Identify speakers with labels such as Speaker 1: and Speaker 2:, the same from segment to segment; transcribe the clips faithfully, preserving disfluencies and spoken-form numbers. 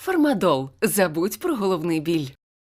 Speaker 1: Фармадол. Забудь про головний біль.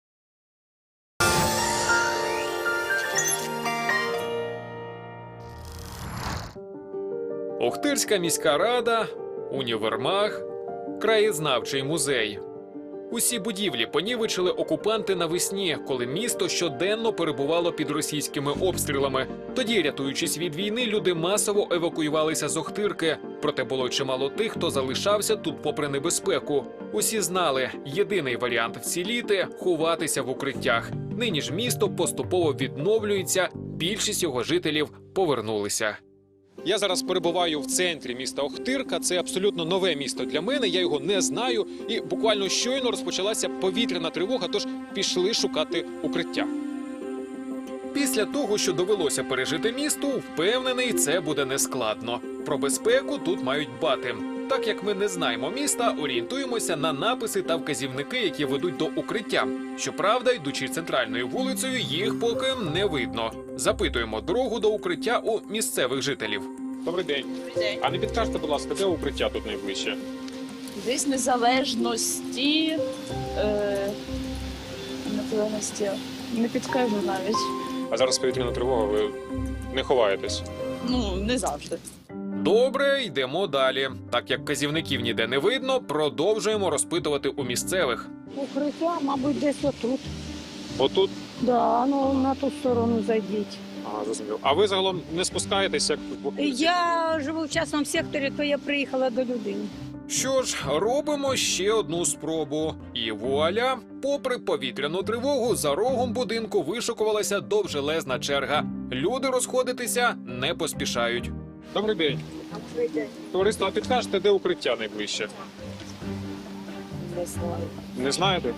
Speaker 2: Охтирська міська рада, універмаг, краєзнавчий музей. Усі будівлі понівечили окупанти навесні, коли місто щоденно перебувало під російськими обстрілами. Тоді, рятуючись від війни, люди масово евакуювалися з Охтирки. Проте було чимало тих, хто залишався тут попри небезпеку. Усі знали, єдиний варіант вціліти – ховатися в укриттях. Нині ж місто поступово відновлюється, більшість його жителів повернулися. Я зараз перебуваю в центрі міста Охтирка. Це абсолютно нове місто для мене, я його не знаю. І буквально щойно розпочалася повітряна тривога, тож пішли шукати укриття. Після того, що довелося пережити місту, впевнений, це буде нескладно. Про безпеку тут мають дбати. Так як ми не знаємо міста, орієнтуємося на написи та вказівники, які ведуть до укриття. Щоправда, йдучи центральною вулицею, їх поки не видно. Запитуємо дорогу до укриття у місцевих жителів. Добрий день.
Speaker 3: Добрий день.
Speaker 2: А не підкажете, будь ласка, де укриття тут найближче?
Speaker 3: Десь незалежності, е, незалежності, не підкажу навіть.
Speaker 2: А зараз повітряна тривога, ви не ховаєтесь?
Speaker 3: Ну, не завжди.
Speaker 2: Добре, йдемо далі. Так як вказівників ніде не видно, продовжуємо розпитувати у місцевих.
Speaker 4: Укриття, мабуть, десь отут.
Speaker 2: Отут?
Speaker 4: Да, ну на ту сторону зайдіть.
Speaker 2: Ага, зрозуміло. А ви загалом не спускаєтесь, як в окрузі?
Speaker 4: Я живу в частному секторі, то я приїхала до людини.
Speaker 2: Що ж, робимо ще одну спробу. І вуаля, попри повітряну тривогу, за рогом будинку вишикувалася довжелезна черга. Люди розходитися не поспішають. Добрий день.
Speaker 4: Добрий день.
Speaker 2: Товариство, а підкажете, де укриття найближче?
Speaker 3: Не знаю.
Speaker 2: Не знаєте?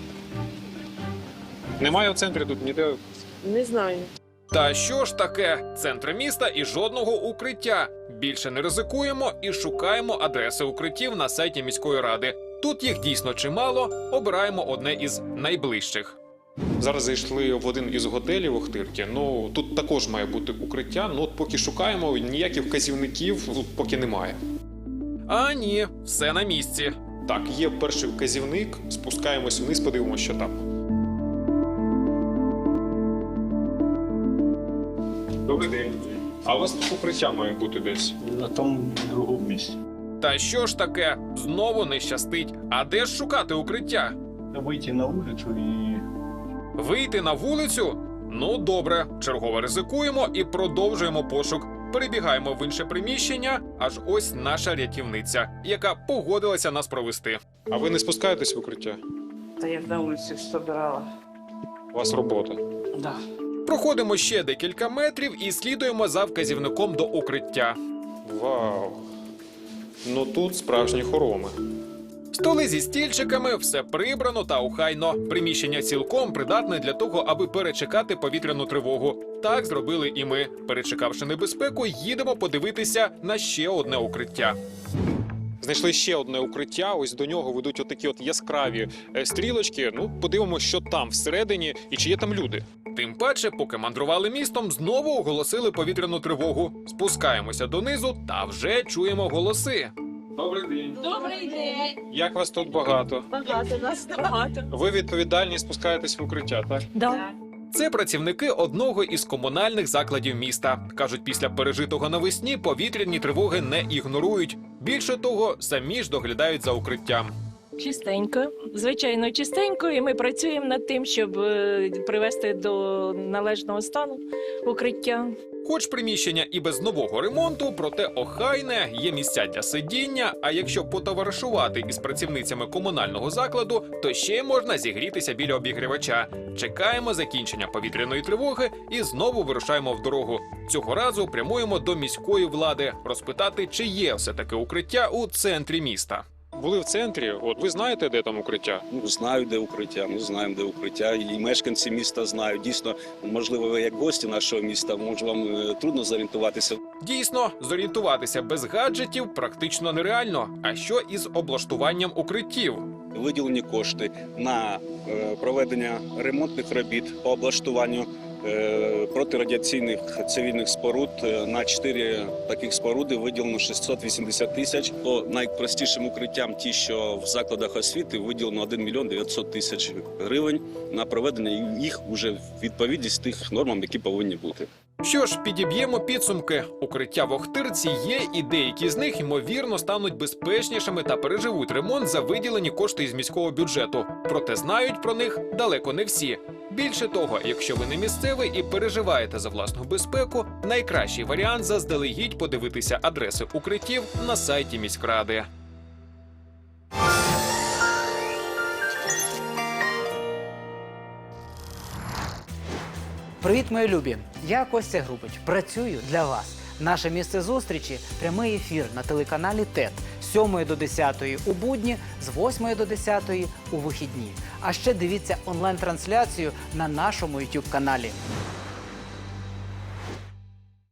Speaker 2: Немає в центрі тут ніде.
Speaker 3: Не знаю.
Speaker 2: Та що ж таке? Центр міста і жодного укриття. Більше не ризикуємо і шукаємо адреси укриттів на сайті міської ради. Тут їх дійсно чимало, обираємо одне із найближчих. Зараз зайшли в один із готелів Охтирки. Ну, тут також має бути укриття, ну от поки шукаємо, ніяких вказівників тут поки немає. А ні, все на місці. Так, є перший вказівник, спускаємось вниз, подивимося, що там. Добрий день. А у вас тут укриття має бути десь?
Speaker 5: На тому другому місці.
Speaker 2: Та що ж таке? Знову не щастить. А де ж шукати укриття?
Speaker 5: Вийти на вулицю і
Speaker 2: Вийти на вулицю? Ну, добре. Чергово ризикуємо і продовжуємо пошук. Перебігаємо в інше приміщення, аж ось наша рятівниця, яка погодилася нас провести. А ви не спускаєтесь в укриття?
Speaker 6: Та я на вулиці собирала.
Speaker 2: У вас робота.
Speaker 6: Да.
Speaker 2: Проходимо ще декілька метрів і слідуємо за вказівником до укриття. Вау! Ну тут справжні хороми. Столи зі стільчиками, все прибрано та охайно. Приміщення цілком придатне для того, аби перечекати повітряну тривогу. Так зробили і ми. Перечекавши небезпеку, їдемо подивитися на ще одне укриття. Знайшли ще одне укриття, ось до нього ведуть отакі от яскраві стрілочки. Ну, подивимося, що там всередині і чи є там люди. Тим паче, поки мандрували містом, знову оголосили повітряну тривогу. Спускаємося донизу та вже чуємо голоси. Добрий день.
Speaker 3: Добрий день.
Speaker 2: Як вас тут багато?
Speaker 3: Багато нас багато.
Speaker 2: Ви відповідальні спускаєтесь в укриття, так?
Speaker 4: Да.
Speaker 2: Це працівники одного із комунальних закладів міста. Кажуть, після пережитого навесні повітряні тривоги не ігнорують. Більше того, самі ж доглядають за укриттям.
Speaker 7: Чистенько, звичайно, чистенько, і ми працюємо над тим, щоб е, привести до належного стану укриття.
Speaker 2: Хоч приміщення і без нового ремонту, проте охайне, є місця для сидіння, а якщо потоваришувати із працівницями комунального закладу, то ще можна зігрітися біля обігрівача. Чекаємо закінчення повітряної тривоги і знову вирушаємо в дорогу. Цього разу прямуємо до міської влади, розпитати, чи є все-таки укриття у центрі міста. Були в центрі, от ви знаєте, де там укриття?
Speaker 8: Ну, знаю, де укриття, ми знаємо, де укриття, і мешканці міста знають. Дійсно, можливо, ви як гості нашого міста, може вам е, трудно зорієнтуватися.
Speaker 2: Дійсно, зорієнтуватися без гаджетів практично нереально. А що із облаштуванням укриттів?
Speaker 8: Виділені кошти на е, проведення ремонтних робіт по облаштуванню е, протирадіаційних цивільних споруд. Е, На чотири таких споруди виділено шістсот вісімдесят тисяч. По найпростішим укриттям, ті, що в закладах освіти, виділено один мільйон дев'ятсот тисяч гривень на проведення їх уже в відповідність тих нормам, які повинні бути.
Speaker 2: Що ж, підіб'ємо підсумки. Укриття в Охтирці є, і деякі з них, ймовірно, стануть безпечнішими та переживуть ремонт за виділені кошти із міського бюджету. Проте знають про них далеко не всі. Більше того, якщо ви не місцевий і переживаєте за власну безпеку, найкращий варіант заздалегідь подивитися адреси укриттів на сайті міськради.
Speaker 9: Привіт, мої любі! Я Костя Грубич. Працюю для вас. Наше місце зустрічі – прямий ефір на телеканалі ТЕТ з сьомої до десятої у будні, з восьмої до десятої у вихідні. А ще дивіться онлайн-трансляцію на нашому ютуб-каналі.